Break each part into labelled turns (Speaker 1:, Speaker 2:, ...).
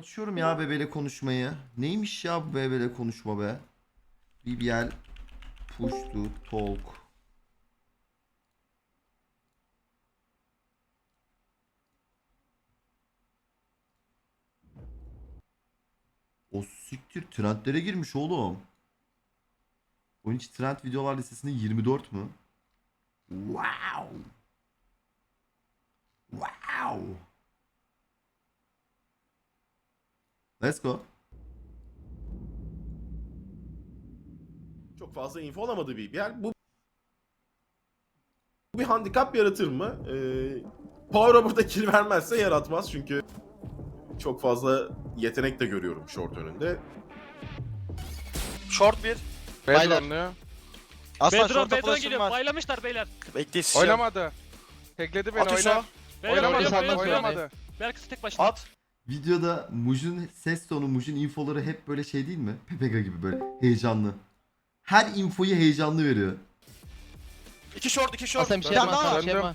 Speaker 1: Açıyorum ya bebeyle konuşmayı. Neymiş ya bu bebeyle konuşma be? BBL push to talk. O siktir trendlere girmiş oğlum. Onun için trend videolar listesinde 24 mü? Wow. Wow. Let's go.
Speaker 2: Çok fazla info alamadı BBL. Bu bir handikap yaratır mı? Power burada kill vermezse yaratmaz çünkü çok fazla yetenek de görüyorum short önünde.
Speaker 3: Short bir.
Speaker 4: Bedron diyor.
Speaker 3: Aslan
Speaker 5: Bedron
Speaker 3: short'a
Speaker 5: Bedron
Speaker 3: flash'ım
Speaker 5: geliyor.
Speaker 3: var.
Speaker 5: Baylamışlar beyler.
Speaker 3: Bekle
Speaker 4: Oynamadı. Tekledi beni,
Speaker 3: At
Speaker 4: oynar.
Speaker 3: Hüso.
Speaker 5: Beyler
Speaker 4: Oynamadı,
Speaker 5: oynuyor,
Speaker 4: sen
Speaker 5: oynuyor.
Speaker 4: oynamadı.
Speaker 5: Berkası tek başına.
Speaker 3: At.
Speaker 1: Videoda Muj'un ses tonu, Muj'un infoları hep böyle şey değil mi? Pepega gibi böyle heyecanlı. Her infoyu heyecanlı veriyor.
Speaker 3: İki short, iki short.
Speaker 6: Aslan bir şey
Speaker 3: Bir tane
Speaker 6: yapma,
Speaker 3: daha
Speaker 6: Aslan
Speaker 3: var.
Speaker 6: bir şey yapma.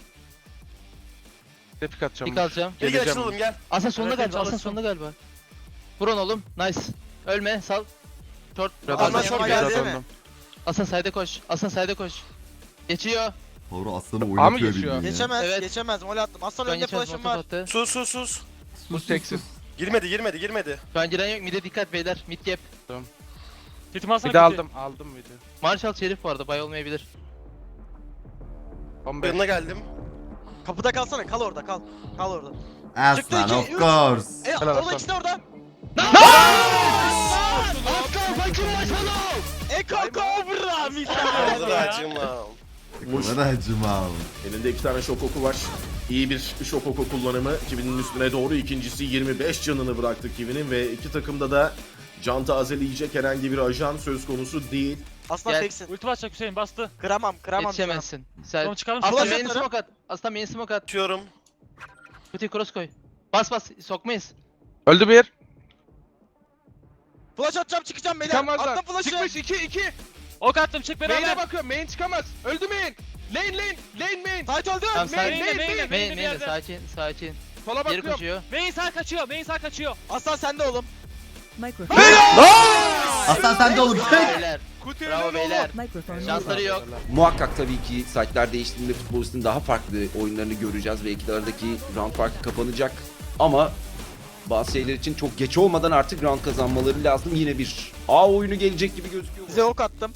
Speaker 4: Tepik atacağım.
Speaker 6: Pik alacağım.
Speaker 3: Gel gel
Speaker 4: Geleceğim.
Speaker 3: açılalım gel.
Speaker 6: Aslan sonunda
Speaker 5: Evet,
Speaker 6: galiba, Aslan
Speaker 5: çalışsın.
Speaker 6: sonunda galiba. Vurun oğlum, nice. Ölme, sal. Short.
Speaker 3: Aslan
Speaker 6: Aslan
Speaker 3: short
Speaker 6: short
Speaker 3: geldi
Speaker 6: geldi.
Speaker 3: değil mi?
Speaker 6: Aslan side'e koş, Aslan side'e koş. Geçiyor.
Speaker 1: Doğru aslanı
Speaker 4: mı
Speaker 1: oynatıyor
Speaker 4: geçiyor?
Speaker 1: bildiğin ya.
Speaker 3: Geçemez,
Speaker 6: Evet.
Speaker 3: geçemez. Mol attım. Aslan
Speaker 6: Şu an
Speaker 3: önünde
Speaker 6: geçmez,
Speaker 3: flash'ım
Speaker 6: motor
Speaker 3: var.
Speaker 6: attı.
Speaker 3: Sus sus sus.
Speaker 4: Bu teksiz.
Speaker 3: Girmedi.
Speaker 6: Şu an giren yok, mid'e dikkat beyler, mid gap.
Speaker 5: Titimi alsana
Speaker 4: Bir de
Speaker 5: titi.
Speaker 4: aldım bir de.
Speaker 6: Marshall Şerif bu arada, bay olmayabilir.
Speaker 4: 15.
Speaker 3: Yanına geldim.
Speaker 7: Kapıda kalsana, kal orada, kal. Kal orada. Çıktı
Speaker 1: Aslan
Speaker 7: iki,
Speaker 1: of
Speaker 7: üç.
Speaker 1: course.
Speaker 4: Helal
Speaker 7: Orada
Speaker 4: Aslan.
Speaker 7: ikisi de orada.
Speaker 6: Aslan fakir maşallah!
Speaker 7: Eko Cobra
Speaker 3: Hadi
Speaker 7: misal.
Speaker 3: da acıma.
Speaker 2: Muş
Speaker 1: Ne kadar acımal.
Speaker 2: elinde iki tane şok oku var. İyi bir şok oku kullanımı. Kivi'nin üstüne doğru ikincisi 25 canını bıraktı Kivi'nin ve iki takımda da can tazeleyecek herhangi bir ajan söz konusu değil.
Speaker 7: Aslan
Speaker 6: Gel.
Speaker 7: teksin.
Speaker 5: Ulti basacak Hüseyin bastı.
Speaker 7: Kıramam.
Speaker 6: Yetişemezsin. Sen...
Speaker 5: Tamam çıkalım.
Speaker 6: Aslan
Speaker 7: Flash
Speaker 6: main
Speaker 7: atarım.
Speaker 6: smoke at. Aslan main smoke at.
Speaker 3: Atıyorum.
Speaker 6: Kutuyu cross koy. Bas, sokmayız.
Speaker 4: Öldü bir.
Speaker 7: Flash atacağım, çıkacağım beyler.
Speaker 4: Çıkamazlar.
Speaker 7: Attım flash'ı.
Speaker 4: Çıkmış 2.
Speaker 5: Ok attım çık
Speaker 4: Main'e
Speaker 5: beraber.
Speaker 4: bakıyorum. Main çıkamaz. Öldü main. Lane main.
Speaker 7: Fight öldü.
Speaker 6: Tamam,
Speaker 4: Main,
Speaker 6: sakin.
Speaker 4: main,
Speaker 5: main.
Speaker 6: Main,
Speaker 5: bir
Speaker 6: main,
Speaker 5: yerde.
Speaker 6: sakin.
Speaker 4: Sola
Speaker 6: Geri
Speaker 4: bakıyorum.
Speaker 6: koşuyor.
Speaker 5: Main sağ kaçıyor. Main sağ kaçıyor.
Speaker 7: Aslan sende oğlum.
Speaker 8: Microphone.
Speaker 1: Aslan sen de oğlum.
Speaker 6: Bravo beyler.
Speaker 4: Kutuyu
Speaker 6: Bravo beyler.
Speaker 8: Microphone.
Speaker 6: Şansları yok.
Speaker 9: Muhakkak tabii ki saatler değiştiğinde futbolistin daha farklı oyunlarını göreceğiz ve iki aradaki round farkı kapanacak. Ama bazı şeyler için çok geç olmadan artık round kazanmaları lazım. Yine bir A oyunu gelecek gibi gözüküyor.
Speaker 7: Size ok attım.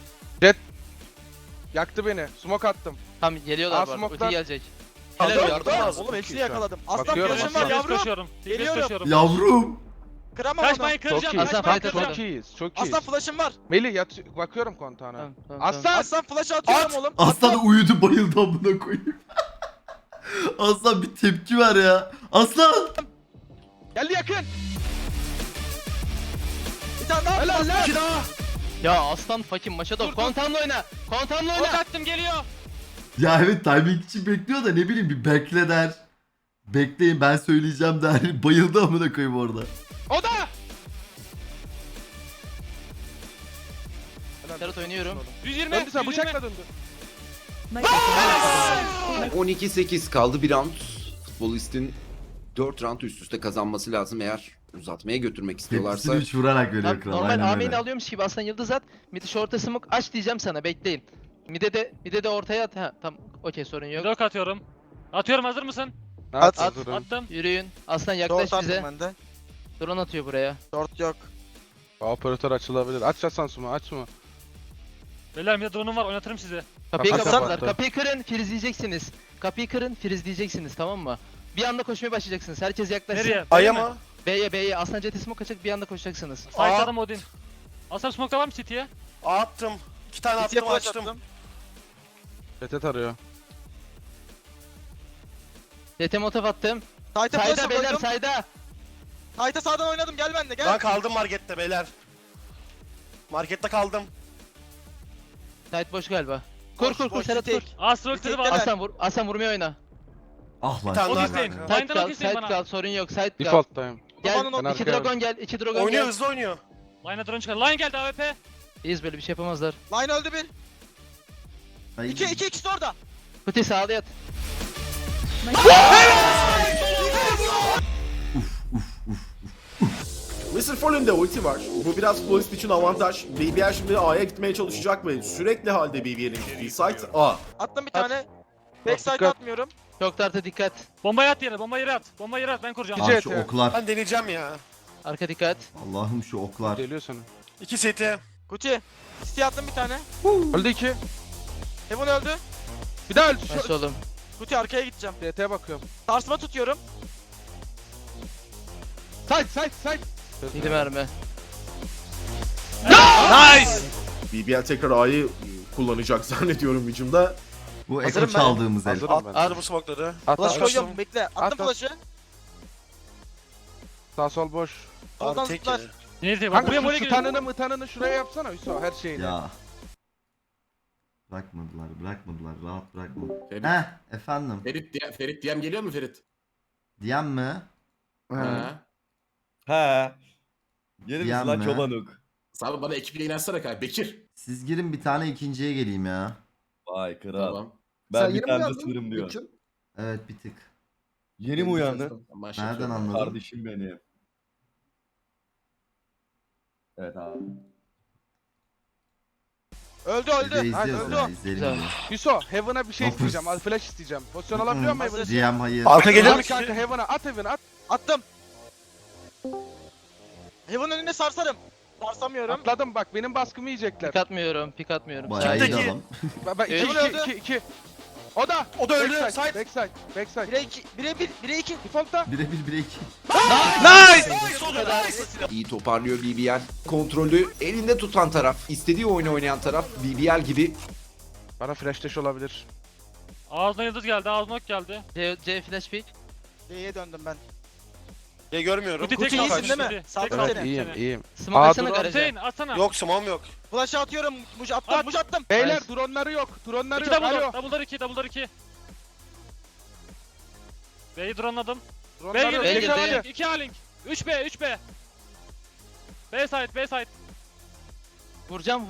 Speaker 4: Yaktı beni. Smoke attım.
Speaker 6: Tamam geliyorlar bu arada.
Speaker 4: Smoke'dan-
Speaker 6: Ulti gelecek.
Speaker 3: Helal
Speaker 6: Helal
Speaker 3: yardım
Speaker 6: yardım.
Speaker 3: lazım.
Speaker 7: Oğlum hepsini
Speaker 4: iyi şu an.
Speaker 7: yakaladım. Aslan
Speaker 4: Bakıyorum,
Speaker 7: flash'ım
Speaker 4: Aslan.
Speaker 7: var
Speaker 5: Yavrum.
Speaker 7: yavrum.
Speaker 5: Koşuyorum.
Speaker 7: Geliyorum.
Speaker 5: Koşuyorum.
Speaker 1: Yavrum.
Speaker 7: Kıramam onu.
Speaker 5: Kaçmayı kıracağım.
Speaker 4: Çok iyi.
Speaker 6: Aslan
Speaker 5: Kaçmayı
Speaker 6: fight
Speaker 5: kıracağım.
Speaker 4: Çok iyiyiz. Çok iyiyiz.
Speaker 7: Aslan flash'ım var.
Speaker 4: Melih bakıyorum kontağına.
Speaker 6: Tamam.
Speaker 4: Aslan.
Speaker 7: Aslan flash atıyorum oğlum.
Speaker 1: Aslan uyudu bayıldı amına koyayım. Aslan bir tepki ver ya. Aslan.
Speaker 4: Geldi yakın.
Speaker 7: Bir tane daha.
Speaker 4: Helal lan.
Speaker 3: İki daha.
Speaker 6: Ya aslan fucking Maşadov. Kontanla oyna. Kontanla
Speaker 5: Ok
Speaker 6: oyna.
Speaker 5: attım geliyor.
Speaker 1: Ya evet timing için bekliyor da ne bileyim bir bekle der. Bekleyin ben söyleyeceğim der. Bayıldı amına koyayım orada.
Speaker 4: O da.
Speaker 6: Serhat oynuyorum.
Speaker 5: 120.
Speaker 4: Döndü sen
Speaker 5: 120.
Speaker 4: bıçakla döndü.
Speaker 8: Microphone.
Speaker 9: 12-8 kaldı bir round. Futbolistin 4 round üst üste kazanması lazım eğer uzatmaya götürmek istiyorlarsa.
Speaker 1: Hepsini 3 vurarak veriyor
Speaker 6: Tamam,
Speaker 1: kral.
Speaker 6: normal
Speaker 1: Aynen
Speaker 6: Amin'i
Speaker 1: öyle.
Speaker 6: alıyormuş gibi aslan yıldız at. Mid'i short'a smoke aç diyeceğim sana bekleyin. Mid'e de ortaya at. Ha tamam okey sorun yok.
Speaker 5: Blok atıyorum. Atıyorum hazır mısın?
Speaker 4: At.
Speaker 5: Attım.
Speaker 6: Yürüyün. Aslan yaklaş
Speaker 7: Short
Speaker 6: bize.
Speaker 7: attım ben de.
Speaker 6: Drone atıyor buraya.
Speaker 7: Short yok.
Speaker 4: Operatör açılabilir. Aç Sansum'u açma.
Speaker 5: Beyler bir de drone'um var oynatırım sizi.
Speaker 6: Kapıyı
Speaker 4: Kapat,
Speaker 6: kapattılar.
Speaker 4: kapat.
Speaker 6: Kapıyı kırın frizleyeceksiniz. Kapıyı kırın frizleyeceksiniz tamam mı? Bir anda koşmaya başlayacaksınız. Herkes yaklaşsın.
Speaker 5: Nereye?
Speaker 3: Aya
Speaker 5: B'ye mi?
Speaker 3: mı?
Speaker 6: B'ye. Aslan jeti smoke açacak bir anda koşacaksınız.
Speaker 5: Site'ladım Odin. Aslan smoke'da var mı City'ye?
Speaker 3: Attım. İki tane
Speaker 7: City'ye
Speaker 3: attım
Speaker 7: flash
Speaker 3: açtım.
Speaker 7: attım.
Speaker 4: Retet arıyor.
Speaker 6: Jete motof attım.
Speaker 7: Sight'a
Speaker 6: Sayda
Speaker 7: flash'ım
Speaker 6: beyler
Speaker 7: koydum.
Speaker 6: sayda.
Speaker 7: Sight'a sağdan oynadım, gel bende gel.
Speaker 3: Ben kaldım markette beyler. Markette kaldım.
Speaker 6: Site boş galiba. Kur
Speaker 7: Boş,
Speaker 6: kur kur
Speaker 7: boş,
Speaker 6: Serhat kur.
Speaker 7: tek.
Speaker 5: Astro
Speaker 7: Bir
Speaker 5: ultisi
Speaker 7: tek
Speaker 5: var.
Speaker 7: gelen.
Speaker 6: Aslan vurmaya oyna.
Speaker 1: Ah
Speaker 3: Bir
Speaker 1: lan.
Speaker 3: tane
Speaker 5: Ok
Speaker 3: daha
Speaker 5: isteyin.
Speaker 3: kanka.
Speaker 6: Site
Speaker 5: Line'dan ok
Speaker 6: kal,
Speaker 5: isteyin
Speaker 6: site
Speaker 5: bana.
Speaker 6: kal sorun yok. Site kal.
Speaker 4: Default'tayım.
Speaker 6: Gel.
Speaker 7: Babanın
Speaker 4: Ben
Speaker 6: İki
Speaker 4: arkaya
Speaker 6: dragon gel. İki dragon
Speaker 3: Oynuyor
Speaker 6: gel.
Speaker 3: hızlı oynuyor.
Speaker 5: Line'a drone çıkar. Line geldi AWP.
Speaker 6: İyiyiz böyle bir şey yapamazlar.
Speaker 7: Line öldü bir.
Speaker 1: Ay.
Speaker 7: İki ikisi de orada.
Speaker 6: Kuti sağda yat.
Speaker 1: Uf uf.
Speaker 2: Mr. Fallen'de ulti var. Bu biraz futbolist için avantaj. BBL şimdi A'ya gitmeye çalışacak ve sürekli halde BBL'in gittiği site A.
Speaker 7: Attım bir tane. Backside
Speaker 3: Dikkat.
Speaker 7: atmıyorum.
Speaker 6: Çok tartı dikkat.
Speaker 5: Bombayı at yere, bombayı yere at. Bombayı yere at, ben kuracağım.
Speaker 1: Abi şu oklar.
Speaker 3: Ben deneyeceğim ya.
Speaker 6: Arka dikkat.
Speaker 1: Allah'ım şu oklar.
Speaker 8: Geliyor sana.
Speaker 3: 2 CT.
Speaker 7: Kuti. City attım bir tane.
Speaker 8: Öldü 2.
Speaker 7: Heaven öldü.
Speaker 8: Bir daha öldü.
Speaker 6: Nasıl oğlum?
Speaker 7: Kuti arkaya gideceğim.
Speaker 8: DT'ye bakıyorum.
Speaker 7: Sarsma tutuyorum.
Speaker 8: Side.
Speaker 6: 7 mermi.
Speaker 3: Nice!
Speaker 2: BBL tekrar A'yı kullanacak zannediyorum hücumda.
Speaker 1: Bu
Speaker 7: Hazırım
Speaker 1: eko
Speaker 7: ben.
Speaker 1: çaldığımız el.
Speaker 8: Hazırım ben.
Speaker 3: At bu smoke'ları.
Speaker 8: At,
Speaker 7: Flash
Speaker 8: at.
Speaker 7: koyuyorum bekle. Attım
Speaker 8: At.
Speaker 7: flash'ı.
Speaker 8: Sağ sol boş.
Speaker 7: Soldan
Speaker 3: Abi tek
Speaker 7: zıplar.
Speaker 3: yedi.
Speaker 5: Neyse bak
Speaker 8: Kanka
Speaker 5: buraya
Speaker 8: şu
Speaker 5: buraya geliyor.
Speaker 8: mıtanını şuraya yapsana Hüso her şeyini.
Speaker 1: Ya. Bırakmadılar. Rahat bırakmadılar.
Speaker 10: Ferit,
Speaker 1: Efendim.
Speaker 10: Ferit DM geliyor mu Ferit?
Speaker 1: Diyen mi?
Speaker 10: Ha.
Speaker 11: He. Gelir
Speaker 1: Diyen
Speaker 11: misin lan
Speaker 1: mi?
Speaker 11: çobanuk?
Speaker 10: Abi bana ekiple inersene kanka. Bekir.
Speaker 1: Siz girin bir tane ikinciye geleyim ya.
Speaker 11: Vay kral.
Speaker 10: Tamam.
Speaker 11: Ben bir tane de sınırım diyor.
Speaker 1: Evet bir tık.
Speaker 11: Yeni mi uyandın?
Speaker 1: Nereden anladın?
Speaker 11: Kardeşim benim. Evet abi.
Speaker 7: Öldü
Speaker 1: Biz de
Speaker 7: öldü.
Speaker 1: izliyoruz
Speaker 7: Öldü
Speaker 1: ya.
Speaker 7: o.
Speaker 1: İzleyelim
Speaker 6: Güzel.
Speaker 1: bunu.
Speaker 8: Hüso Heaven'a bir şey
Speaker 1: Dokuz.
Speaker 8: isteyeceğim. Al flash isteyeceğim. Pozisyon alabiliyor muyum Heaven'a?
Speaker 1: GM hayır.
Speaker 3: Arka gelir
Speaker 8: At
Speaker 3: mi
Speaker 8: kanka Heaven'a at Heaven'a at.
Speaker 7: Attım. Heaven önüne sarsarım. Sarsamıyorum.
Speaker 8: Atladım bak benim baskımı yiyecekler.
Speaker 6: Pik atmıyorum.
Speaker 1: Bayağı iyi
Speaker 7: Çifteki.
Speaker 1: adam.
Speaker 8: Bak
Speaker 7: Heaven öldü.
Speaker 8: 2. O da.
Speaker 3: O da öldü.
Speaker 8: Backside.
Speaker 3: Side.
Speaker 8: Backside.
Speaker 7: 1'e 2. 1'e 1. 1'e 2.
Speaker 8: Default'ta.
Speaker 1: Birebir 1'e 2.
Speaker 3: Nice!
Speaker 9: İyi toparlıyor BBL. Kontrolü elinde tutan taraf, istediği oyunu oynayan taraf BBL gibi.
Speaker 8: Bana flash dash olabilir.
Speaker 5: Ağzına yıldız geldi, ağzına ok geldi.
Speaker 6: C flash pick.
Speaker 7: D'ye döndüm ben.
Speaker 3: Ya görmüyorum.
Speaker 5: Kuti
Speaker 7: Kuti
Speaker 5: tek
Speaker 7: iyisin
Speaker 5: kaldı,
Speaker 7: değil mi?
Speaker 5: Kuti.
Speaker 7: Sağ
Speaker 5: Tek
Speaker 7: ol
Speaker 5: kaldı
Speaker 7: seni.
Speaker 8: İyiyim
Speaker 5: seni.
Speaker 8: iyiyim.
Speaker 6: Smoke
Speaker 8: Aa,
Speaker 6: atsana
Speaker 8: dur,
Speaker 6: garaja.
Speaker 5: Hüseyin atsana.
Speaker 3: Yok smoke'um yok.
Speaker 7: Flash'ı atıyorum. Muj attım.
Speaker 5: At.
Speaker 7: Muj attım.
Speaker 8: Beyler
Speaker 6: Nice.
Speaker 8: dronları yok. Dronları
Speaker 5: 2
Speaker 8: yok.
Speaker 5: double
Speaker 8: Alo.
Speaker 5: door, double'lar 2, double'lar 2. B'yi drone'ladım. B
Speaker 8: Dronları
Speaker 5: girdi,
Speaker 8: yok.
Speaker 6: B
Speaker 5: B
Speaker 6: girdi.
Speaker 5: girdi. 2 A-Link. 3B, 3B. B side, B side.
Speaker 6: Vuracağım.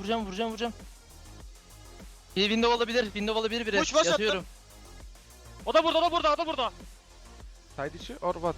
Speaker 6: Bir window olabilir biri.
Speaker 7: Push, push
Speaker 6: Yatıyorum.
Speaker 5: O da burada, o da burada.
Speaker 8: Side içi or what?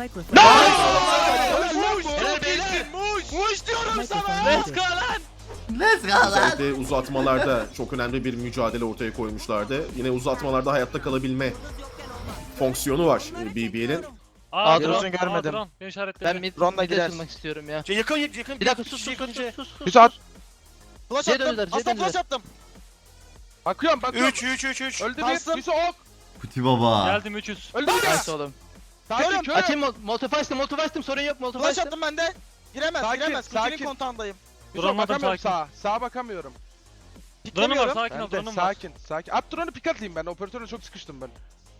Speaker 7: Muj diyorum sana.
Speaker 5: Let's go lan.
Speaker 1: Let's go lan.
Speaker 2: Özellikle uzatmalarda çok önemli bir mücadele ortaya koymuşlardı. Yine uzatmalarda hayatta kalabilme fonksiyonu var BBL'in.
Speaker 5: Aa,
Speaker 7: drone
Speaker 5: drone
Speaker 7: görmedim.
Speaker 5: Drone. Beni işaretledi.
Speaker 6: Ben mid
Speaker 7: Drone'la
Speaker 6: mid'e
Speaker 7: girer.
Speaker 6: açılmak istiyorum ya.
Speaker 3: Yakın.
Speaker 6: Bir dakika sus.
Speaker 8: Hüso at.
Speaker 7: Flash
Speaker 6: C
Speaker 7: attım.
Speaker 6: döndüler, C
Speaker 7: Aslan
Speaker 6: döndüler.
Speaker 7: flash attım.
Speaker 8: Bakıyorum.
Speaker 3: 3.
Speaker 8: Öldü
Speaker 7: Bastım.
Speaker 8: bir. Hüso ok.
Speaker 1: Kuti baba.
Speaker 5: Geldim 300.
Speaker 8: Öldü bir.
Speaker 6: Nice oğlum.
Speaker 8: Sakin
Speaker 7: Körüm.
Speaker 8: körüm.
Speaker 6: Açayım molotov açtım sorun yok molotov
Speaker 7: Flash
Speaker 6: açtım.
Speaker 7: attım ben de. Giremez.
Speaker 8: Sakin,
Speaker 7: Giremez. Kuti'nin
Speaker 8: sakin.
Speaker 7: kontağındayım.
Speaker 8: Hüso
Speaker 5: Duramadım,
Speaker 8: bakamıyorum
Speaker 5: sakin.
Speaker 8: sağa. Sağa bakamıyorum.
Speaker 5: Drone'um var,
Speaker 7: Piklemiyorum.
Speaker 5: sakin ol,
Speaker 8: Ben de
Speaker 5: drone'um var.
Speaker 8: sakin. At drone'u pick atayım ben. Operatörle çok sıkıştım ben.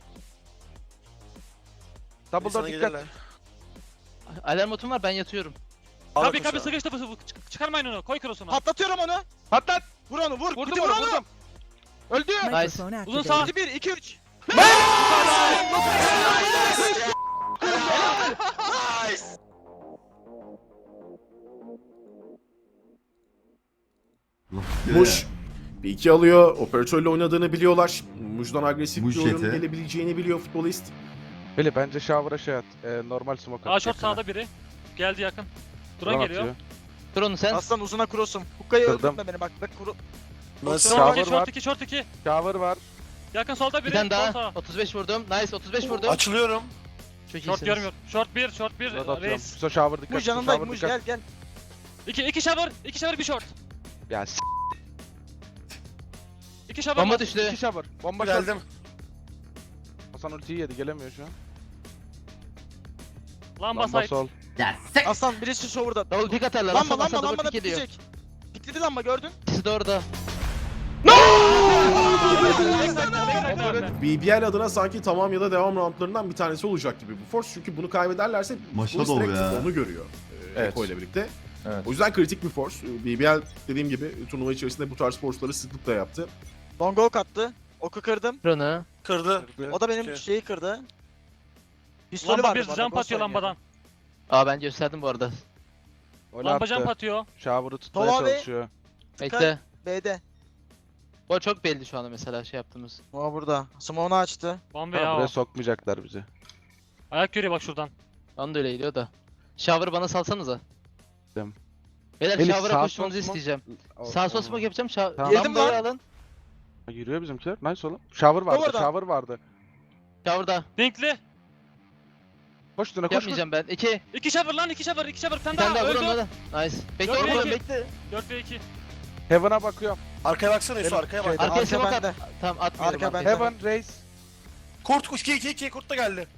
Speaker 8: Double door dikkat.
Speaker 6: Alarm botum var ben yatıyorum.
Speaker 5: Kabi sıkıştı bu. Çıkarmayın onu. Koy cross'unu.
Speaker 7: Patlatıyorum onu.
Speaker 8: Patlat.
Speaker 7: Vur onu vur.
Speaker 8: Vurdum
Speaker 7: Kuti
Speaker 8: onu
Speaker 7: vur onu.
Speaker 8: vurdum. Öldü.
Speaker 6: Nice.
Speaker 5: Uzun sağ.
Speaker 7: 1 2 3.
Speaker 2: Muş bir iki alıyor. Operatörle oynadığını biliyorlar. Muş'dan agresif
Speaker 1: Muş
Speaker 2: bir oyun
Speaker 1: jeti.
Speaker 2: gelebileceğini biliyor futbolist.
Speaker 8: Beli bence shower'a şey at. Normal smoke at.
Speaker 5: A short sağda biri. Geldi yakın. Drone geliyor.
Speaker 8: atıyor.
Speaker 6: Drone'u sen.
Speaker 7: Aslan uzuna cross'um. Hukka'yı
Speaker 8: Kırdım.
Speaker 7: öldürtme beni bak. Bak kuru.
Speaker 3: Nasıl?
Speaker 5: Short
Speaker 8: Shower
Speaker 5: 2,
Speaker 8: var.
Speaker 5: short 2, short 2.
Speaker 8: Shower var.
Speaker 5: Yakın solda
Speaker 6: Bir
Speaker 5: biri.
Speaker 6: tane
Speaker 5: Sol
Speaker 6: daha.
Speaker 5: sağ.
Speaker 6: 35 vurdum. Nice 35 vurdum.
Speaker 3: Açılıyorum.
Speaker 6: Çok
Speaker 5: Short
Speaker 6: iyisiniz.
Speaker 5: görmüyor. Short 1, short 1.
Speaker 8: Rod atıyorum.
Speaker 5: Reis.
Speaker 8: Hüso shower dikkat.
Speaker 7: Muj
Speaker 8: Hüso
Speaker 7: yanındayım.
Speaker 8: shower
Speaker 7: Muj
Speaker 8: dikkat.
Speaker 7: gel gel.
Speaker 5: 2 shower, 2 shower 1 short.
Speaker 8: Ya
Speaker 5: 2 shower.
Speaker 6: Bomba
Speaker 5: var.
Speaker 6: düştü.
Speaker 8: 2 shower. Bomba short.
Speaker 3: Geldim.
Speaker 8: Hasan ultiyi yedi gelemiyor şu an.
Speaker 5: Lamba
Speaker 8: Lamba
Speaker 5: side.
Speaker 8: sol.
Speaker 1: Ya sek.
Speaker 7: Aslan birisi şovurda.
Speaker 6: Double pick atarlar.
Speaker 7: Lamba
Speaker 6: Lamba
Speaker 7: lamba lamba da
Speaker 6: pick ediyor.
Speaker 7: pikleyecek. Pikledi lamba gördün.
Speaker 6: İkisi de orada.
Speaker 2: BBL adına sanki tamam ya da devam roundlarından bir tanesi olacak gibi bu force. Çünkü bunu kaybederlerse
Speaker 1: Maşa
Speaker 2: polis
Speaker 1: dolu
Speaker 2: direkt
Speaker 1: ya.
Speaker 2: onu görüyor.
Speaker 11: Evet.
Speaker 2: Eko ile birlikte.
Speaker 11: Evet.
Speaker 2: O yüzden kritik bir force. BBL dediğim gibi turnuva içerisinde bu tarz force'ları sıklıkla yaptı.
Speaker 7: Long ok attı. Oku kırdım.
Speaker 6: Drone'u.
Speaker 3: Kırdı.
Speaker 7: O da benim
Speaker 3: Okey.
Speaker 7: şeyi kırdı. Pistolü
Speaker 5: Lamba
Speaker 7: vardı
Speaker 5: bir
Speaker 7: bu arada,
Speaker 5: jump
Speaker 7: ghost
Speaker 5: atıyor
Speaker 7: oynuyor.
Speaker 5: lambadan.
Speaker 6: Aa ben gösterdim bu arada.
Speaker 8: Öyle
Speaker 5: Lamba
Speaker 8: attı.
Speaker 5: jump atıyor.
Speaker 8: Shower'ı tutmaya
Speaker 7: Tova ve-
Speaker 8: çalışıyor.
Speaker 6: Bekle.
Speaker 7: B'de.
Speaker 6: Bu çok belli şu anda mesela şey yaptığımız.
Speaker 7: O burada. Smoke'unu açtı.
Speaker 5: Bombe
Speaker 8: Tamam,
Speaker 5: ya
Speaker 8: buraya
Speaker 5: o.
Speaker 8: sokmayacaklar bizi.
Speaker 5: Ayak görüyor bak şuradan.
Speaker 6: Bana da öyle geliyor da. Shower bana salsanıza.
Speaker 8: Tamam.
Speaker 6: Beyler
Speaker 8: Elif,
Speaker 6: shower'a
Speaker 8: sağ
Speaker 6: koşmanızı
Speaker 8: sol smoke-
Speaker 6: isteyeceğim.
Speaker 8: O-
Speaker 6: Sağ sol
Speaker 8: o-
Speaker 6: smoke yapacağım.
Speaker 8: Tamam.
Speaker 7: Yedim
Speaker 6: Lambayı
Speaker 7: lan.
Speaker 6: alın.
Speaker 8: Yürüyor bizimkiler. Nice oğlum. Shower vardı.
Speaker 7: Orada.
Speaker 8: Shower vardı.
Speaker 6: Shower'da.
Speaker 5: Dinkli.
Speaker 8: Koş üstüne koş.
Speaker 6: Yapmayacağım ben. 2.
Speaker 5: 2 shower lan 2 shower 2 shower. Bir tane
Speaker 6: Bir tane
Speaker 5: daha
Speaker 6: daha vur
Speaker 5: öldü.
Speaker 6: onu da. Nice. Bekle
Speaker 5: Yok,
Speaker 6: oğlum
Speaker 5: yok.
Speaker 6: bekle.
Speaker 5: 4 ve 2.
Speaker 8: Heaven'a bakıyorum.
Speaker 3: Arkaya baksana Yusuf arkaya bak.
Speaker 6: Arkaya
Speaker 7: Arka
Speaker 6: smoke
Speaker 7: bende.
Speaker 6: at. Tamam atmıyorum.
Speaker 7: Arka
Speaker 6: arkaya.
Speaker 7: bende.
Speaker 8: Heaven raise.
Speaker 3: Kurt kuş 2 kurt da geldi.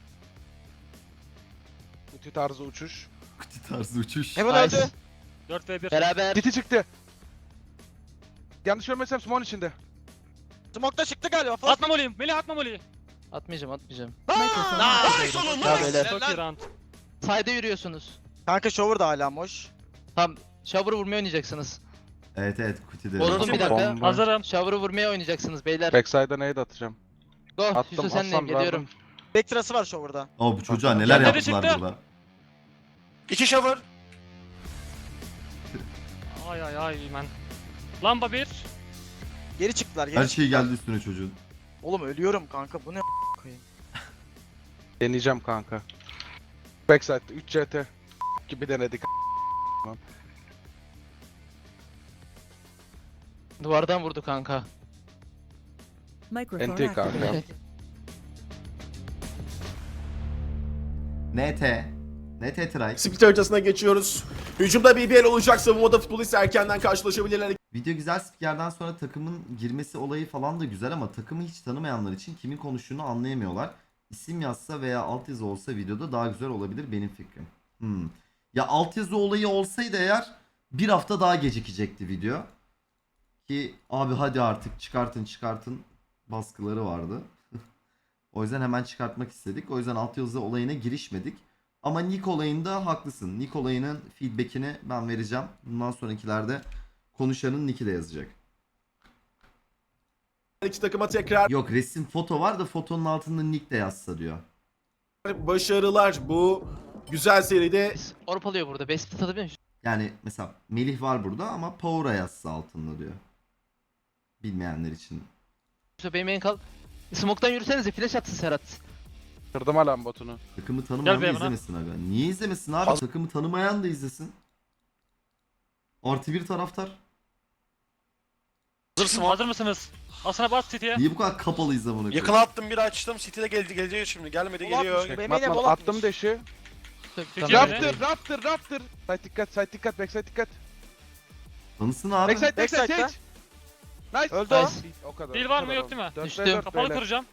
Speaker 8: Kutu tarzı uçuş.
Speaker 1: Kutu tarzı uçuş.
Speaker 7: Hemen
Speaker 6: Nice.
Speaker 7: öldü.
Speaker 5: 4 ve 1.
Speaker 6: Beraber.
Speaker 8: Titi çıktı. Yanlış görmesem Smoke'un içinde.
Speaker 7: Smoke'da çıktı galiba.
Speaker 5: Atma moliyim. Melih atma moliyi.
Speaker 6: Atmayacağım atmayacağım.
Speaker 3: Nice oğlum
Speaker 6: Ya beyler.
Speaker 5: Çok iyi round.
Speaker 6: Side'e yürüyorsunuz.
Speaker 7: Kanka shower da hala boş.
Speaker 6: Tamam. Shower'ı vurmaya oynayacaksınız.
Speaker 1: Evet kutuda.
Speaker 6: Vurdum bir dakika.
Speaker 8: Bomba.
Speaker 5: Hazırım.
Speaker 6: Shower'ı vurmaya oynayacaksınız beyler.
Speaker 8: Backside'a nade atacağım.
Speaker 6: Go.
Speaker 8: Attım,
Speaker 6: Yusuf senleyim
Speaker 8: Aslan,
Speaker 6: geliyorum.
Speaker 8: verdim.
Speaker 7: Backtrası var shower'da.
Speaker 1: Ama bu çocuğa neler
Speaker 5: Kendine
Speaker 1: yaptılar
Speaker 5: çıktı.
Speaker 1: burada.
Speaker 3: 2 shower.
Speaker 5: Ay ay ay man. Lamba 1.
Speaker 7: Geri çıktılar geri
Speaker 1: Her
Speaker 7: çıktılar.
Speaker 1: şey geldi üstüne çocuğun.
Speaker 7: Oğlum ölüyorum kanka bu ne koyayım.
Speaker 8: Deneyeceğim kanka. Backside'da 3 CT gibi denedik.
Speaker 6: Duvardan vurdu kanka.
Speaker 8: NT kanka.
Speaker 1: NT try.
Speaker 2: Split haritasına geçiyoruz. Hücumda BBL olacak. Savunmada futbolist erkenden karşılaşabilirler.
Speaker 1: Video güzel, spikerden sonra takımın girmesi olayı falan da güzel ama takımı hiç tanımayanlar için kimin konuştuğunu anlayamıyorlar. İsim yazsa veya altyazı olsa videoda daha güzel olabilir benim fikrim. Ya altyazı olayı olsaydı eğer bir hafta daha gecikecekti video. Ki abi hadi artık çıkartın baskıları vardı. O yüzden hemen çıkartmak istedik. O yüzden altyazı olayına girişmedik. Ama Nick olayında haklısın. Nick olayının feedbackini ben vereceğim. Bundan sonrakilerde konuşanın nick'i de yazacak.
Speaker 2: İki takıma tekrar
Speaker 1: Yok resim foto var da fotonun altında nick de yazsa diyor.
Speaker 2: başarılar. Bu güzel seride
Speaker 6: Orp alıyor burada. Best split atabiliyor musun?
Speaker 1: Yani mesela Melih var burada ama Power'a yazsa altında diyor. Bilmeyenler için.
Speaker 6: Yusuf benim en kal. Smoke'tan yürüsenize flash atsın Serhat.
Speaker 8: Kırdım alan botunu.
Speaker 1: Takımı tanımayan
Speaker 5: Gel
Speaker 1: da
Speaker 5: be bana.
Speaker 1: izlemesin aga. Niye izlemesin abi? Takımı tanımayan da izlesin. Artı bir taraftar.
Speaker 3: Hazırsın mı?
Speaker 5: Hazır mısınız? Asına bas City'ye.
Speaker 1: Niye bu kadar kapalı izle
Speaker 3: Yakına attım bir açtım. City'de gelecek şimdi. Gelmedi geliyor.
Speaker 7: Bebeğine bol
Speaker 8: Attım
Speaker 7: atmış.
Speaker 8: deşi.
Speaker 5: City'ye
Speaker 8: Raptor, Raptor, Raptor. Side dikkat, backside dikkat.
Speaker 1: Tanısın abi.
Speaker 8: Backside,
Speaker 7: Backside'da.
Speaker 8: Sage. Nice.
Speaker 7: Öldü o.
Speaker 8: Nice. O kadar.
Speaker 5: Heal
Speaker 8: o
Speaker 5: var
Speaker 8: kadar
Speaker 5: mı, yok
Speaker 8: oldu.
Speaker 5: değil mi?
Speaker 8: Dört
Speaker 6: Düştüm.
Speaker 8: ve dört
Speaker 5: Kapalı
Speaker 8: beyler.
Speaker 5: kuracağım.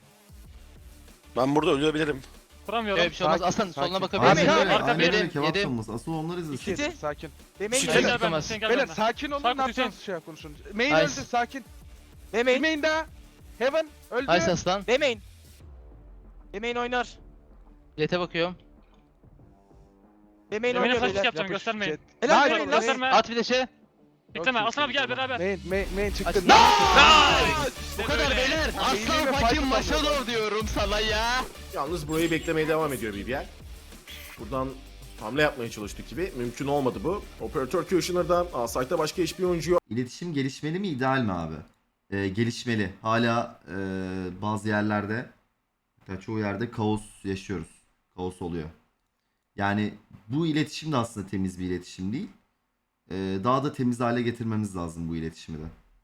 Speaker 3: Ben burada ölebilirim.
Speaker 5: Kuramıyorum.
Speaker 6: Öyle bir şey olmaz.
Speaker 8: Sakin,
Speaker 6: Aslan soluna
Speaker 8: sakin.
Speaker 6: bakabilir
Speaker 1: Aynen
Speaker 6: miyim?
Speaker 1: öyle.
Speaker 5: Arka
Speaker 1: Aynen
Speaker 5: bir,
Speaker 1: öyle. Kebap
Speaker 6: yedim.
Speaker 1: çalması. Asıl onlar izlesin.
Speaker 8: İki, sakin.
Speaker 7: Bebeğin
Speaker 6: Şey
Speaker 5: Sen
Speaker 6: gel
Speaker 5: gel ben.
Speaker 6: tutamaz.
Speaker 5: Sen gel
Speaker 8: Beyler
Speaker 5: ben.
Speaker 8: sakin olun,
Speaker 5: Sarkı
Speaker 8: ne yapacağınız
Speaker 5: Hüseyin.
Speaker 8: şey yap konuşun. Main
Speaker 6: Nice.
Speaker 8: öldü, sakin.
Speaker 7: Bebeğin.
Speaker 8: Main daha. Heaven öldü.
Speaker 6: Nice aslan.
Speaker 7: Bebeğin. Bebeğin oynar.
Speaker 6: Jet'e bakıyorum.
Speaker 7: Bebeğin
Speaker 5: Yemeğine
Speaker 7: oynuyor
Speaker 5: flash
Speaker 7: beyler.
Speaker 5: yapacağım, göstermeyin.
Speaker 7: Helal
Speaker 8: Nice.
Speaker 7: bebeğin.
Speaker 5: Gösterme.
Speaker 6: At bir de şey.
Speaker 5: Bekleme. Aslan abi gel beraber.
Speaker 8: Main çıktı.
Speaker 6: Aç.
Speaker 5: Nice.
Speaker 6: Bu kadar beyler. Aslan fucking Maşadov diyorum sana ya.
Speaker 2: yalnız burayı beklemeye devam ediyor BBL. Buradan hamle yapmaya çalıştık gibi. Mümkün olmadı bu. Operatör Kushner'dan A-Site'da başka hiçbir oyuncu yok.
Speaker 1: İletişim gelişmeli mi ideal mi abi? Gelişmeli. Hala bazı yerlerde hatta çoğu yerde kaos yaşıyoruz. Kaos oluyor. Yani bu iletişim de aslında temiz bir iletişim değil. Daha da temiz hale getirmemiz lazım bu iletişimi de.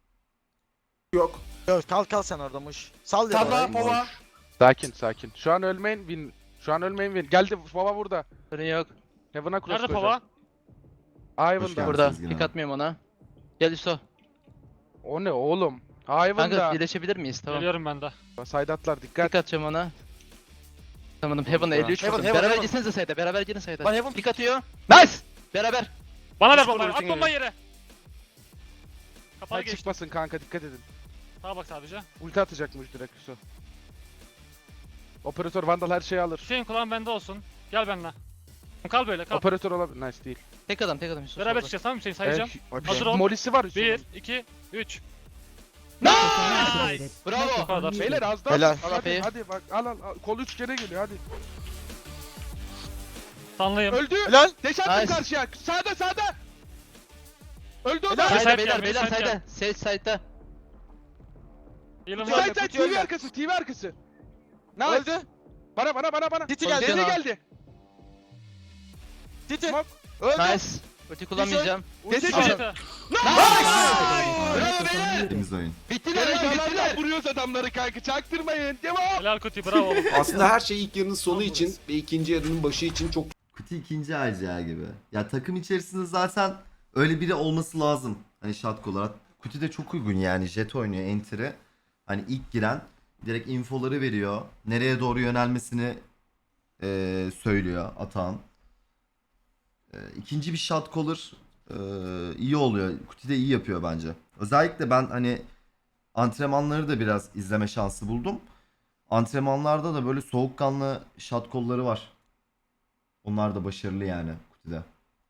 Speaker 2: Yok.
Speaker 7: Yok, kal sen orada muş. Sal ya.
Speaker 3: Tabla
Speaker 7: orayı.
Speaker 3: pova.
Speaker 8: Sakin. Şu an ölmeyin win. Geldi baba burada.
Speaker 6: Sorun yok.
Speaker 8: Heaven'a cross
Speaker 5: Nerede pava?
Speaker 1: Hoş
Speaker 8: Ivan'da.
Speaker 1: geldin.
Speaker 6: Burada.
Speaker 1: Sezgin
Speaker 6: Pick
Speaker 1: abi.
Speaker 6: atmıyorum ona. Gel Yusuf.
Speaker 8: O ne oğlum?
Speaker 6: Kanka
Speaker 8: Ivan'da.
Speaker 6: birleşebilir miyiz? Tamam.
Speaker 5: Geliyorum ben de.
Speaker 8: Side atlar dikkat.
Speaker 6: Pick atacağım ona. Tamam Heaven'a 53
Speaker 3: Heaven,
Speaker 6: vurdum.
Speaker 3: Heaven,
Speaker 6: Beraber
Speaker 3: Heaven.
Speaker 6: gitsenize sayda. Beraber girin sayda.
Speaker 3: Lan Heaven
Speaker 6: Pick atıyor. Nice. Beraber.
Speaker 5: Bana ver
Speaker 3: Nasıl
Speaker 5: bombayı. At
Speaker 3: vuruyorsun
Speaker 5: bombayı yere. Kapalı
Speaker 8: Side
Speaker 5: geçti.
Speaker 8: çıkmasın kanka dikkat edin.
Speaker 5: Sağa bak sadece.
Speaker 8: Ulti atacakmış direkt Yusuf. Operatör Vandal her şeyi alır.
Speaker 5: Hüseyin kulağın bende olsun. Gel benimle. Kal böyle kal.
Speaker 8: Operatör olabilir. Nice değil.
Speaker 6: Tek adam Yusuf.
Speaker 5: Beraber
Speaker 6: solda.
Speaker 5: çıkacağız tamam mı Hüseyin sayacağım. Hazır ol.
Speaker 8: Molisi var Yusuf'un.
Speaker 5: 1, 2, 3.
Speaker 6: Nice.
Speaker 5: Bu
Speaker 6: Bravo.
Speaker 5: kadar.
Speaker 8: Beyler az daha.
Speaker 7: Helal.
Speaker 8: Hadi,
Speaker 6: Aferin.
Speaker 8: hadi bak al. Kol 3 kere geliyor hadi.
Speaker 5: Sanlıyım.
Speaker 8: Öldü.
Speaker 7: Helal.
Speaker 8: Deş attım
Speaker 6: Nice.
Speaker 8: karşıya. Sağda. Öldü o
Speaker 7: Helal.
Speaker 8: da.
Speaker 5: Side
Speaker 6: Sayda
Speaker 5: gel,
Speaker 6: beyler
Speaker 5: side
Speaker 6: beyler
Speaker 5: gel.
Speaker 6: sayda. Sage side'da.
Speaker 5: Yılın
Speaker 7: Side,
Speaker 5: var.
Speaker 8: Side
Speaker 7: kutuyu
Speaker 8: TV
Speaker 7: öldü.
Speaker 8: arkası. TV arkası. Nice.
Speaker 7: Öldü.
Speaker 8: Bana.
Speaker 7: City geldi.
Speaker 8: Deli
Speaker 6: Cana.
Speaker 8: geldi.
Speaker 7: Titi.
Speaker 8: Smoke. Öldü.
Speaker 6: Nice. Ulti kullanmayacağım.
Speaker 8: Ulti
Speaker 5: Al.
Speaker 8: çek.
Speaker 1: Temiz oyun.
Speaker 8: Bittiler bittiler. Vuruyoruz adamları kanka çaktırmayın. Devam.
Speaker 5: Helal Kuti bravo oğlum.
Speaker 9: Aslında her şey ilk yarının sonu için ve ikinci yarının başı için çok
Speaker 1: Kuti ikinci RCA gibi. Ya takım içerisinde zaten öyle biri olması lazım. Hani shot olarak. Kuti de çok uygun yani. Jet oynuyor enter'e. Hani ilk giren direkt infoları veriyor. Nereye doğru yönelmesini söylüyor Atan. İkinci bir shot caller iyi oluyor. Kuti de iyi yapıyor bence. Özellikle ben hani antrenmanları da biraz izleme şansı buldum. Antrenmanlarda da böyle soğukkanlı shot call'ları var. Onlar da başarılı yani Kuti'de.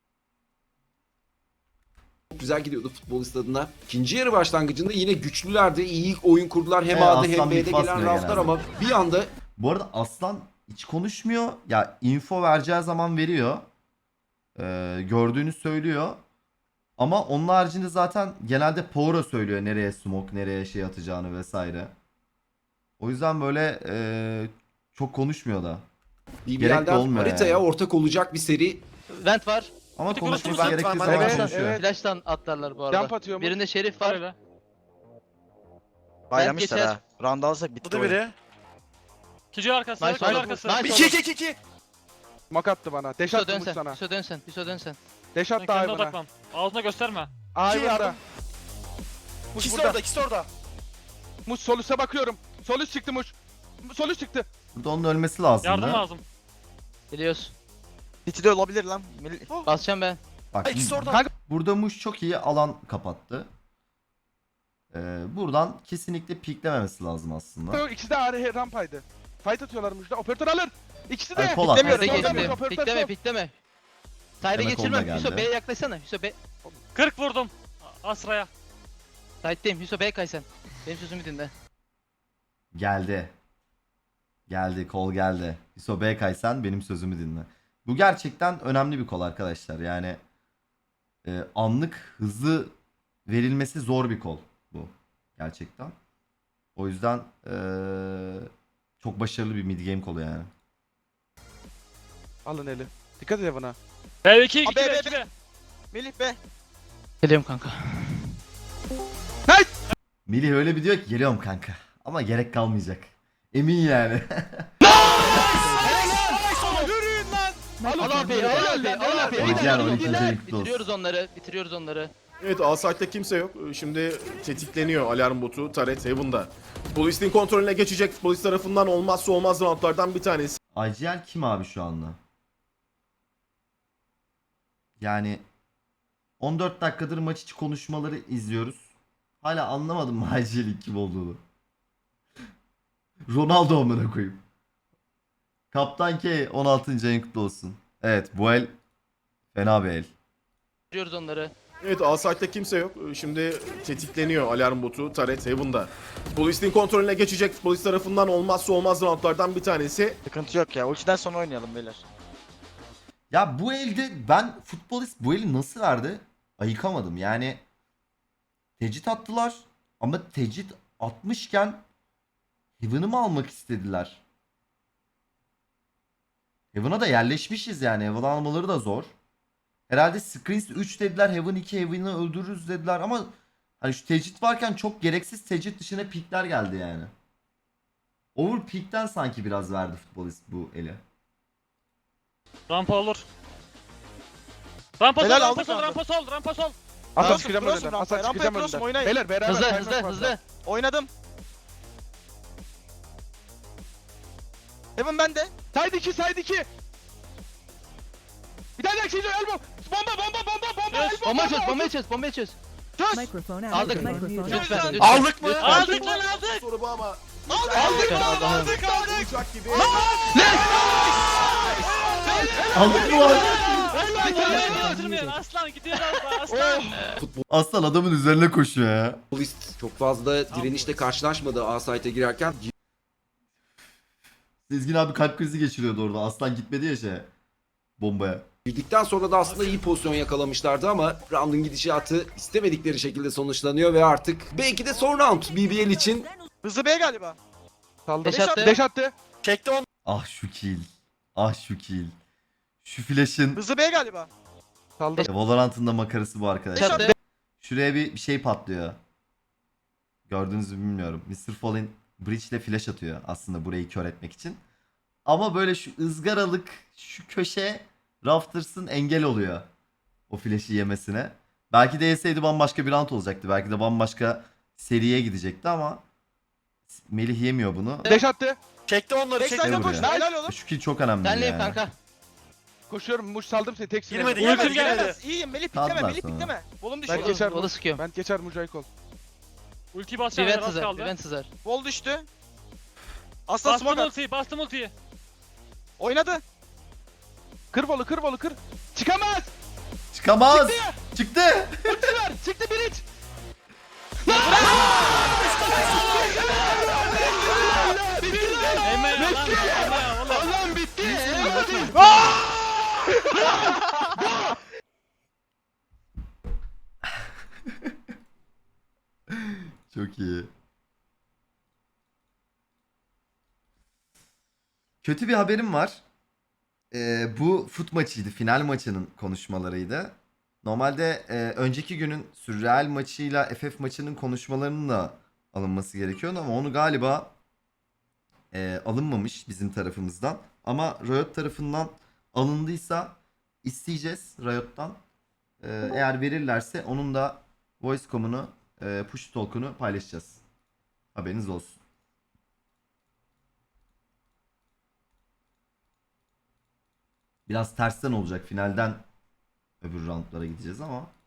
Speaker 9: güzel gidiyordu futbolist adına. İkinci yarı başlangıcında yine güçlülerdi. İyi oyun kurdular. Hem A'da hem
Speaker 1: Aslan
Speaker 9: B'de
Speaker 1: bit
Speaker 9: gelen
Speaker 1: basmıyor
Speaker 9: roundlar
Speaker 1: genelde.
Speaker 9: ama bir anda
Speaker 1: Bu arada Aslan hiç konuşmuyor. Ya info vereceği zaman veriyor. Gördüğünü söylüyor. Ama onun haricinde zaten genelde Power'a söylüyor nereye smoke, nereye şey atacağını vesaire. O yüzden böyle çok konuşmuyor da. Gerek de
Speaker 9: BBL'den
Speaker 1: olmuyor
Speaker 9: haritaya
Speaker 1: yani.
Speaker 9: ortak olacak bir seri.
Speaker 6: Vent var.
Speaker 1: Ama
Speaker 5: Kuti
Speaker 1: konuşması
Speaker 5: konuşursa-
Speaker 1: gerektiği
Speaker 7: Evet,
Speaker 1: zaman
Speaker 8: evet,
Speaker 1: konuşuyor.
Speaker 8: evet.
Speaker 6: Flash'tan atlarlar bu arada.
Speaker 8: Jump atıyor mu?
Speaker 6: Birinde Şerif var.
Speaker 5: Öyle.
Speaker 7: Baylamışlar
Speaker 6: geçer.
Speaker 7: ha. Round alsak bitti
Speaker 3: Bu da
Speaker 7: oyun.
Speaker 3: biri.
Speaker 5: Kici arkası.
Speaker 6: Nice
Speaker 5: Nice
Speaker 6: oğlum.
Speaker 5: arkası.
Speaker 6: Nice
Speaker 3: 2
Speaker 6: oğlum.
Speaker 3: 2 2.
Speaker 8: Smoke attı bana. Deş
Speaker 6: Piso
Speaker 8: attı Muş
Speaker 6: dönsen.
Speaker 8: sana.
Speaker 6: Piso dönsen. Piso dönsen.
Speaker 8: Deş
Speaker 5: Sen
Speaker 8: attı
Speaker 5: kendine
Speaker 8: Ayvan'a.
Speaker 5: odaklan. Ağzına gösterme.
Speaker 8: Ayvan'da.
Speaker 3: yardım.
Speaker 8: Muş
Speaker 3: İkisi
Speaker 8: burada.
Speaker 3: orada, ikisi orada.
Speaker 8: Muş sol üste bakıyorum. Sol üst çıktı Muş. Sol üst çıktı.
Speaker 1: Burada onun ölmesi lazım.
Speaker 5: Yardım lazım.
Speaker 6: Biliyoruz.
Speaker 7: Titi de olabilir lan.
Speaker 6: Basacağım ben.
Speaker 1: Bak
Speaker 3: İkisi orada.
Speaker 8: Kanka
Speaker 1: burada Muş çok iyi alan kapattı. Buradan kesinlikle piklememesi lazım aslında.
Speaker 8: ikisi de ağrı rampaydı. Fight atıyorlar Muş'ta. Operatör alır. İkisi de.
Speaker 1: Ay, Polat.
Speaker 8: Demiyorum.
Speaker 6: Peki
Speaker 8: Solda Muş,
Speaker 6: pikleme.
Speaker 8: operatör
Speaker 6: Pikleme
Speaker 8: sol.
Speaker 6: pikleme. Side'e
Speaker 1: Demek
Speaker 6: geçirmem.
Speaker 1: onda
Speaker 6: Hüso
Speaker 1: geldi.
Speaker 6: B'ye yaklaşsana. Hüso B.
Speaker 5: 40 vurdum. Asra'ya.
Speaker 6: Side'deyim. Hüso B'ye kay sen. Benim sözümü dinle.
Speaker 1: Geldi. Geldi. Kol geldi. İso B kaysan benim sözümü dinle. Bu gerçekten önemli bir kol arkadaşlar. Yani anlık hızlı verilmesi zor bir kol bu. Gerçekten. O yüzden çok başarılı bir mid game kolu yani.
Speaker 8: Alın eli. Dikkat et Evan'a.
Speaker 5: B2 2
Speaker 7: Abi,
Speaker 5: B
Speaker 7: B,
Speaker 5: 2 B.
Speaker 7: Melih be.
Speaker 6: Geliyorum kanka.
Speaker 1: Melih öyle bir diyor ki geliyorum kanka. Ama gerek kalmayacak. Emin yani.
Speaker 6: Al abi. Al abi. Al abi.
Speaker 1: Oynayan 12. kutlu olsun.
Speaker 6: Bitiriyoruz onları. Bitiriyoruz onları.
Speaker 2: Evet, A-Site'de kimse yok. Şimdi tetikleniyor alarm botu Taret Heaven'da. Futbolistin kontrolüne geçecek. Futbolist tarafından olmazsa olmaz roundlardan bir tanesi.
Speaker 1: IGL kim abi şu anda? Yani 14 dakikadır maç içi konuşmaları izliyoruz. Hala anlamadım mı IGL'in kim olduğunu. Ronaldo amına koyayım. Kaptan K 16. ayın kutlu olsun. Evet bu el fena bir el.
Speaker 6: Bitiriyoruz onları.
Speaker 2: Evet, A-Site'de kimse yok. Şimdi tetikleniyor alarm botu Taret Heaven'da. Futbolistin kontrolüne geçecek. Futbolist tarafından olmazsa olmaz roundlardan bir tanesi.
Speaker 7: Sıkıntı yok ya. Ultiden sonra oynayalım beyler.
Speaker 1: Ya bu elde ben futbolist bu eli nasıl verdi? Ayıkamadım. Yani tecrit attılar ama tecrit atmışken Heaven'ı mı almak istediler? Heaven'a da yerleşmişiz yani. Heaven almaları da zor. Herhalde Screens 3 dediler. Heaven 2 Heaven'ı öldürürüz dediler ama hani şu tecrit varken çok gereksiz tecrit dışına pikler geldi yani. Overpeak'ten sanki biraz verdi futbolist bu eli.
Speaker 5: Rampa olur. Rampa sol,
Speaker 7: Helal,
Speaker 5: rampa
Speaker 7: aldık
Speaker 5: sol,
Speaker 7: abi.
Speaker 5: rampa sol, rampa sol.
Speaker 8: Hasan
Speaker 7: Cross'um,
Speaker 8: çıkacağım
Speaker 7: cross'um
Speaker 8: önünden.
Speaker 7: rampaya,
Speaker 8: Hasan
Speaker 7: rampaya
Speaker 8: çıkacağım
Speaker 7: cross'um,
Speaker 8: önünden.
Speaker 7: oynayın.
Speaker 8: Beyler beraber
Speaker 6: Hızlı
Speaker 8: kaymak
Speaker 6: hızlı
Speaker 8: lazım.
Speaker 6: hızlı.
Speaker 7: Oynadım. Heaven bende.
Speaker 8: Side 2 side 2. Bir tane daha şey elbow. Bomba.
Speaker 5: Yes.
Speaker 6: Bomba çöz. Bombayı çöz. Bombayı çöz.
Speaker 7: Çöz.
Speaker 6: Aldık.
Speaker 7: Lütfen.
Speaker 6: Lütfen.
Speaker 7: Aldık mı?
Speaker 6: Lütfen.
Speaker 5: Aldık lan aldık.
Speaker 2: Soru bu ama
Speaker 7: Aldık.
Speaker 6: Allah'ım.
Speaker 2: uçak gibi.
Speaker 1: Aldık mı lan?
Speaker 5: Götürmeyin. Aslan gidiyor aslan.
Speaker 1: Aslan adamın üzerine koşuyor ya.
Speaker 9: Futbolist çok fazla direnişle karşılaşmadı A-Site'e girerken.
Speaker 1: Sezgin abi kalp krizi geçiriyordu orada. Aslan gitmedi ya bombaya.
Speaker 9: Girdikten sonra da aslında iyi pozisyon yakalamışlardı ama round'un gidişatı istemedikleri şekilde sonuçlanıyor ve artık belki de son round BBL için.
Speaker 7: Hızlı B galiba.
Speaker 8: Saldı.
Speaker 6: Deş attı.
Speaker 8: Deş attı.
Speaker 7: Çekti onu.
Speaker 1: Ah şu kill. Ah şu kill. Şu flash'ın
Speaker 7: Hızlı B galiba.
Speaker 8: Saldım.
Speaker 1: Valorant'ın da makarası bu arkadaşlar.
Speaker 6: Çatı.
Speaker 1: Şuraya bir şey patlıyor. Gördüğünüzü bilmiyorum. Mr. Fallen Breach ile flash atıyor aslında burayı kör etmek için. Ama böyle şu ızgaralık şu köşe Rafters'ın engel oluyor. O flash'i yemesine. Belki de yeseydi bambaşka bir round olacaktı. Belki de bambaşka seriye gidecekti ama Melih yemiyor bunu.
Speaker 8: Deş attı.
Speaker 3: Çekti onları
Speaker 7: Backside'e
Speaker 1: Gel
Speaker 3: çekti.
Speaker 7: koş.
Speaker 1: buraya.
Speaker 7: Helal oğlum.
Speaker 1: Şu kill çok önemli
Speaker 6: Senleyim
Speaker 1: yani.
Speaker 6: kanka.
Speaker 8: Koşuyorum. Muş saldım seni. Tek
Speaker 3: Girmedi,
Speaker 8: silahla.
Speaker 3: girmedi,
Speaker 7: Gelemez
Speaker 3: girmedi.
Speaker 7: gelemez. İyiyim Melih
Speaker 1: Kaldılar
Speaker 7: pikleme Melih
Speaker 1: sonra.
Speaker 7: pikleme. Volum
Speaker 8: Ben
Speaker 7: düşüyor.
Speaker 8: geçer.
Speaker 6: Volu sıkıyorum.
Speaker 8: Ben geçer Mücahit
Speaker 5: Ulti basacağım.
Speaker 6: Prevent
Speaker 5: Az
Speaker 6: hızar.
Speaker 5: kaldı.
Speaker 6: Prevent hızar.
Speaker 7: Vol düştü. Aslan
Speaker 5: Bastım
Speaker 7: smoke at.
Speaker 5: ultiyi. Bastım ultiyi.
Speaker 7: Oynadı.
Speaker 8: Kır Volu kır Volu kır. Çıkamaz.
Speaker 1: Çıkamaz. Çıktı.
Speaker 6: Çıktılar. Çıktı biriç.
Speaker 5: Emme ya lan. Emme ya oğlum.
Speaker 6: Allah'ım bitti.
Speaker 1: Çok iyi. Kötü bir haberim var. Bu fut maçıydı. Final maçının konuşmalarıydı. Normalde önceki günün Sürreal maçıyla FF maçının konuşmalarının da alınması gerekiyordu ama onu galiba alınmamış bizim tarafımızdan. Ama Riot tarafından alındıysa isteyeceğiz Riot'tan. Eğer verirlerse onun da voice.com'unu, push talk'unu paylaşacağız. Haberiniz olsun. Biraz tersten olacak. Finalden öbür roundlara gideceğiz ama